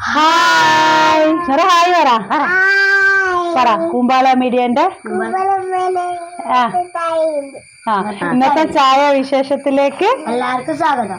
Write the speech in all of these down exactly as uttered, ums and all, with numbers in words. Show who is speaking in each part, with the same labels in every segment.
Speaker 1: Hi hi പറ പറ കൂമ്പാള മീഡിയന്റെ ആ ആ ഇന്നത്തെ ചായ വിശേഷത്തിലേക്ക്
Speaker 2: എല്ലാവർക്കും സ്വാഗതം.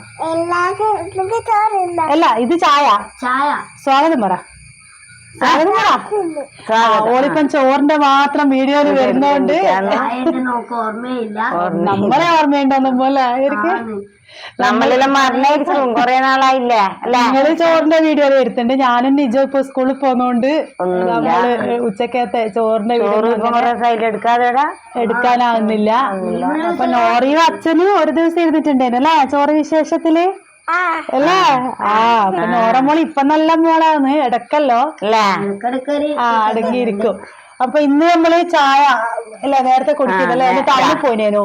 Speaker 1: അല്ല ഇത് ചായ
Speaker 2: ചായ
Speaker 1: സ്വാഗതം പറ സ്വാഗതം പറ. ഓളിപ്പം ചോറിന്റെ മാത്രം വീഡിയോയിൽ വരുന്നോണ്ട്
Speaker 2: നമുക്ക് ഓർമ്മയില്ല.
Speaker 1: നമ്മളെ ഓർമ്മയുണ്ടോന്നും പോലെ ആയിരിക്കും.
Speaker 3: നമ്മളെല്ലാം മറന്നായിരിക്കും കൊറേ നാളായില്ലേ അല്ലെ.
Speaker 1: ഞങ്ങള് ചോറിന്റെ വീഡിയോ വരുത്തുണ്ട്. ഞാനും നിജോ ഇപ്പൊ സ്കൂളിൽ പോന്നോണ്ട് നമ്മള് ഉച്ചക്കത്തെ ചോറിന്റെ വീഡിയോ
Speaker 3: എടുക്കാതെ
Speaker 1: എടുക്കാനാവുന്നില്ല. അപ്പൊ നോറിയും അച്ഛനും ഒരു ദിവസം ഇരുന്നിട്ടുണ്ടായിരുന്നു അല്ലേ ചോറ് വിശേഷത്തില് അല്ലേ. ആ അപ്പൊ നോറ മോള് ഇപ്പൊ നല്ല മോളാന്ന് ഇടക്കല്ലോ ആ അടങ്ങിയിരിക്കും. അപ്പൊ ഇന്ന് നമ്മള് ചായ അല്ല നേരത്തെ കുടിച്ചതല്ലേ ഒന്ന് ടൗണിൽ പോയിനേനു.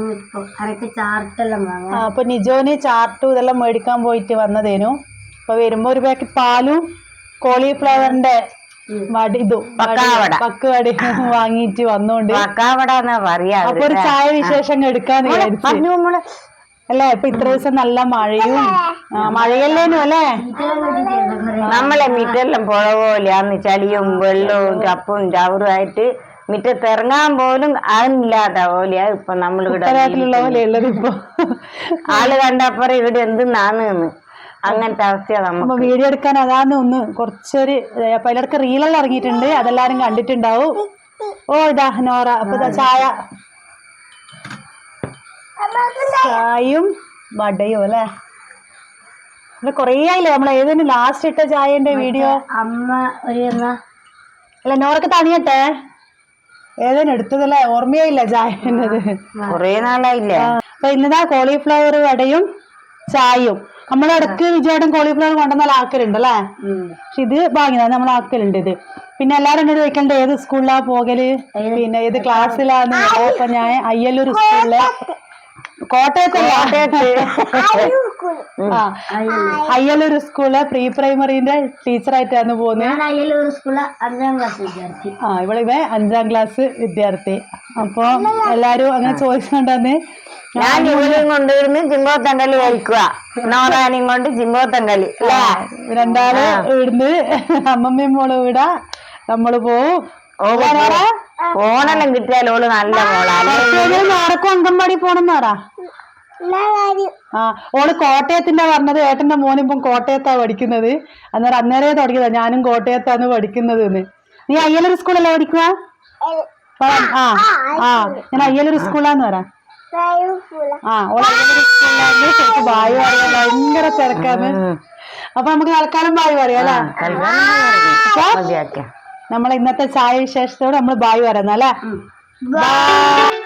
Speaker 1: അപ്പൊ നിജോന് ചാർട്ടും ഇതെല്ലാം മേടിക്കാൻ പോയിട്ട് വന്നതേനു. അപ്പൊ വരുമ്പോ ഒരു പാക്കറ്റ് പാലും കോളിഫ്ലവറിന്റെ വടി ഇതും പക്ക് വടി വാങ്ങിട്ട് വന്നോണ്ട് അപ്പൊ ഒരു ചായ വിശേഷം എടുക്കാന്ന് വിചാരിച്ചു അല്ലേ. ഇപ്പൊ ഇത്ര ദിവസം നല്ല മഴയും മഴയല്ലേനു അല്ലേ.
Speaker 3: നമ്മളെ മിറ്റെല്ലാം പുഴ പോലെയാന്ന് ചളിയും വെള്ളവും ചപ്പും ചവറും ആയിട്ട് മിറ്റത്തിറങ്ങാൻ പോലും അതില്ലാത്ത പോലെയാ ഇപ്പൊ നമ്മൾ
Speaker 1: ഉള്ള പോലെയുള്ളത്. ഇപ്പൊ
Speaker 3: ആള് കണ്ടപ്പറം ഇവിടെ എന്തെന്നാന്ന് അങ്ങനത്തെ അവസ്ഥയാണ്
Speaker 1: നമ്മ വീഡിയോ എടുക്കാൻ അതാന്ന് ഒന്ന് കുറച്ചൊരു പലർക്ക് റീലെല്ലാം ഇറങ്ങിയിട്ടുണ്ട്, അതെല്ലാരും കണ്ടിട്ടുണ്ടാവും. ഓ ഇതാ നോറ. അപ്പൊ ഇതാ ചായ ചായയും വടയും അല്ലേ. അല്ല കൊറേ ആയില്ലേ നമ്മൾ ഏതെങ്കിലും ലാസ്റ്റ് ഇട്ട ചായന്റെ വീഡിയോ.
Speaker 2: അമ്മ ഒരു
Speaker 1: അല്ല നോറൊക്കെ തണിയട്ടെ ഏതേനും എടുത്തതല്ലേ ഓർമ്മയായില്ല ചായന്നത്
Speaker 3: കൊറേ നാളായില്ലേ.
Speaker 1: അപ്പൊ ഇന്നതാ കോളിഫ്ലവർ വടയും ചായയും. നമ്മളിടക്ക് വിജയേട്ടൻ കോളിഫ്ലവർ കൊണ്ടുവന്നാൽ ആക്കലുണ്ട് അല്ലേ. പക്ഷെ ഇത് വാങ്ങിയതാ നമ്മൾ ആക്കലുണ്ട് ഇത്. പിന്നെ എല്ലാരും എന്നോട് ചോദിക്കണ്ടേ ഏത് സ്കൂളിലാ പോകല്, പിന്നെ ഏത് ക്ലാസ്സിലാന്ന്. അപ്പൊ ഞാൻ അയ്യല്ലൂർ സ്കൂളിലെ കോട്ടയത്തല്ല ആ അയ്യലൂർ സ്കൂളിലെ പ്രീ പ്രൈമറിന്റെ ടീച്ചറായിട്ടാണ് പോകുന്നത്. ആ ഇവിടെ ഇവ അഞ്ചാം ക്ലാസ് വിദ്യാർത്ഥി. അപ്പൊ എല്ലാരും അങ്ങനെ ചോദിച്ചുകൊണ്ടെന്ന്
Speaker 3: ഞാൻ ജോലിയും കൊണ്ടുവരുന്നു ജിങ്കോത്തങ്കളി കഴിക്കുക. നോറാനും കൊണ്ട് ജിങ്കോത്തങ്കളി
Speaker 1: രണ്ടാള് ഇവിടുന്ന് അമ്മമ്മയും മോള് വിടാ നമ്മള് പോവും.
Speaker 3: ഫോണെല്ലാം കിട്ടിയാലോള് നല്ല മോളാണ്.
Speaker 1: ആർക്കും അംഗൻവാടി പോണെന്ന് പറ. ആ ഓള് കോട്ടയത്തിന്റെ പറഞ്ഞത്. ഏട്ടന്റെ മോനിപ്പം കോട്ടയത്താ പഠിക്കുന്നത്. അന്നേരം അന്നേരേ തുടങ്ങിയതാ ഞാനും കോട്ടയത്താന്ന് പഠിക്കുന്നത്. നീ അയ്യലൂർ സ്കൂളല്ലേ പഠിക്കുക? ആ ആ ഞാൻ അയ്യലൂർ സ്കൂളാന്ന് പറ. ആ ഓള് അയ്യലൂർ സ്കൂളിലാന്ന് ബായ് പറയാ. ഭയങ്കര തിരക്കാന്ന്. അപ്പൊ നമുക്ക് തൽക്കാലം ബായ് പറയാം അല്ലേ. നമ്മളെ ഇന്നത്തെ ചായ വിശേഷത്തോട് നമ്മള് ബായ് പറയുന്നല്ലേ.